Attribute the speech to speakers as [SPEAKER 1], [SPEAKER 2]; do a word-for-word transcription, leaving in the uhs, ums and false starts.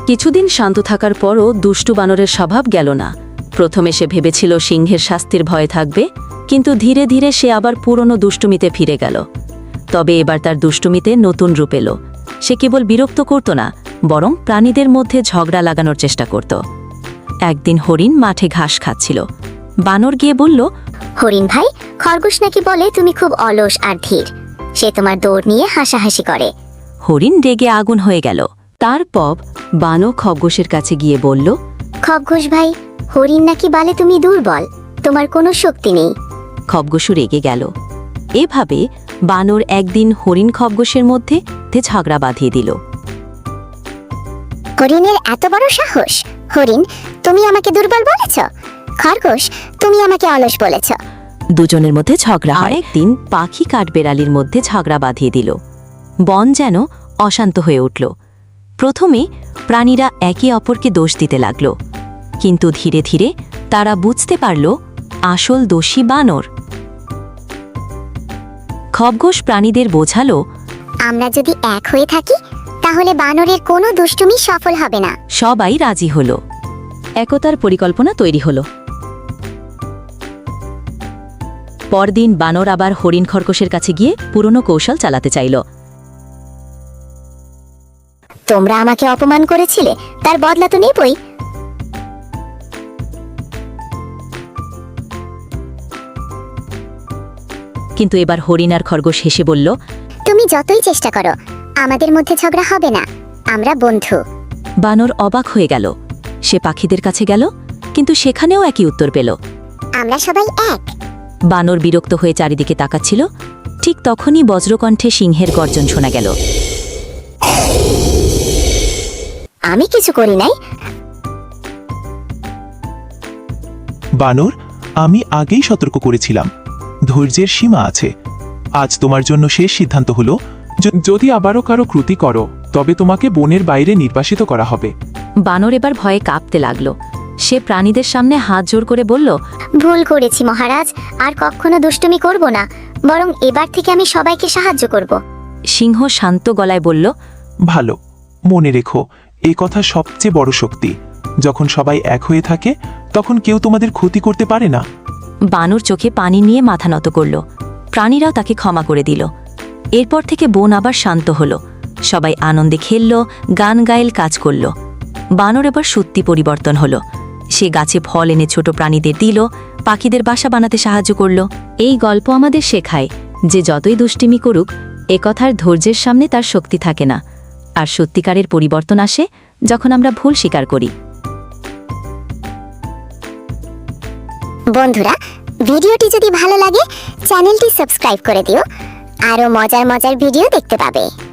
[SPEAKER 1] কিছুদিন শান্ত থাকার পরও দুষ্টু বানরের স্বভাব গেল না। প্রথমে সে ভেবেছিল সিংহের শাস্তির ভয়ে থাকবে, কিন্তু ধীরে ধীরে সে আবার পুরনো দুষ্টুমিতে ফিরে গেল। তবে এবার তার দুষ্টুমিতে নতুন রূপ এলো। সে কেবল বিরক্ত করত না, বরং প্রাণীদের মধ্যে ঝগড়া লাগানোর চেষ্টা করত। একদিন হরিণ মাঠে ঘাস খাচ্ছিল। বানর গিয়ে বলল,
[SPEAKER 2] হরিণ ভাই, খরগোশ নাকি বলে তুমি খুব অলস আর ধীর। সে তোমার দৌড় নিয়ে হাসাহাসি করে।
[SPEAKER 1] হরিণ রেগে আগুন হয়ে গেল। তারপর বানর খরগোশের কাছে গিয়ে বলল,
[SPEAKER 2] খরগোশ ভাই, হরিণ নাকি বলে তুমি দুর্বল, তোমার কোনো শক্তি নেই।
[SPEAKER 1] খরগোশও রেগে গেল। এভাবে বানর একদিন হরিণ খরগোশের মধ্যে ঝগড়া বাঁধিয়ে দিল।
[SPEAKER 2] হরিণের এত বড় সাহস! হরিণ, তুমি আমাকে দুর্বল বলেছ। খরগোশ, তুমি আমাকে অলস বলেছ।
[SPEAKER 1] দুজনের মধ্যে ঝগড়া হয়। একদিন পাখি কাঠবেড়ালির মধ্যে ঝগড়া বাঁধিয়ে দিল। বন যেন অশান্ত হয়ে উঠল। প্রথমে প্রাণীরা একে অপরকে দোষ দিতে লাগল, কিন্তু ধীরে ধীরে তারা বুঝতে পারল আসল দোষী বানর। খরগোশ প্রাণীদের বোঝালো,
[SPEAKER 2] আমরা যদি এক হয়ে থাকি তাহলে বানরের কোনো দুষ্টুমি সফল হবে না।
[SPEAKER 1] সবাই রাজি হল। একতার পরিকল্পনা তৈরি হল। পরদিন বানর আবার হরিণ খরগোশের কাছে গিয়ে পুরনো কৌশল চালাতে চাইল।
[SPEAKER 2] তোমরা আমাকে অপমান করেছিলে, তার বদলা তো নেবই।
[SPEAKER 1] কিন্তু এবার হরিণ আর খরগোশ হেসে বলল,
[SPEAKER 2] তুমি যতই চেষ্টা করো, আমাদের মধ্যে ঝগড়া হবে না। আমরা বন্ধু।
[SPEAKER 1] বানর অবাক হয়ে গেল। সে পাখিদের কাছে গেল, কিন্তু সেখানেও একই উত্তর পেল।
[SPEAKER 2] আমরা সবাই এক।
[SPEAKER 1] বানর বিরক্ত হয়ে চারিদিকে তাকাচ্ছিল। ঠিক তখনই বজ্রকণ্ঠে সিংহের গর্জন শোনা গেল।
[SPEAKER 2] আমি কিছু করি নাই।
[SPEAKER 3] বানর, আমি আগেই সতর্ক করেছিলাম, ধৈর্যের সীমা আছে। আজ তোমার জন্য শেষ সিদ্ধান্ত হলো, যদি আবারও কারো ক্রুতি করো তবে তোমাকে বনের বাইরে নির্বাসিত করা হবে।
[SPEAKER 1] বানর এবার ভয়ে কাঁপতে লাগলো। সে প্রাণীদের সামনে হাত জোর করে বলল,
[SPEAKER 2] ভুল করেছি মহারাজ, আর কখনো দুষ্টুমি করব না, বরং এবার থেকে আমি সবাইকে সাহায্য করব।
[SPEAKER 1] সিংহ শান্ত গলায় বলল,
[SPEAKER 3] ভালো, মনে রেখো, এই কথা সবচেয়ে বড় শক্তি। যখন সবাই এক হয়ে থাকে তখন কেউ তোমাদের ক্ষতি করতে পারে না।
[SPEAKER 1] বানর চোখে পানি নিয়ে মাথা নত করল। প্রাণীরাও তাকে ক্ষমা করে দিল। এরপর থেকে বন আবার শান্ত হল। সবাই আনন্দে খেলল, গান গাইল, কাজ করল। বানর এবার সত্যি পরিবর্তন হলো। সে গাছে ফল এনে ছোট প্রাণীদের দিল, পাখিদের বাসা বানাতে সাহায্য করল। এই গল্প আমাদের শেখায় যে যতই দুষ্টিমি করুক, একথার ধৈর্যের সামনে তার শক্তি থাকে না। আর সত্যিকারের পরিবর্তন আসে যখন আমরা ভুল স্বীকার করি।
[SPEAKER 2] বন্ধুরা, ভিডিওটি যদি ভালো লাগে চ্যানেলটি সাবস্ক্রাইব করে দিও, আরো মজার মজার ভিডিও দেখতে পাবে।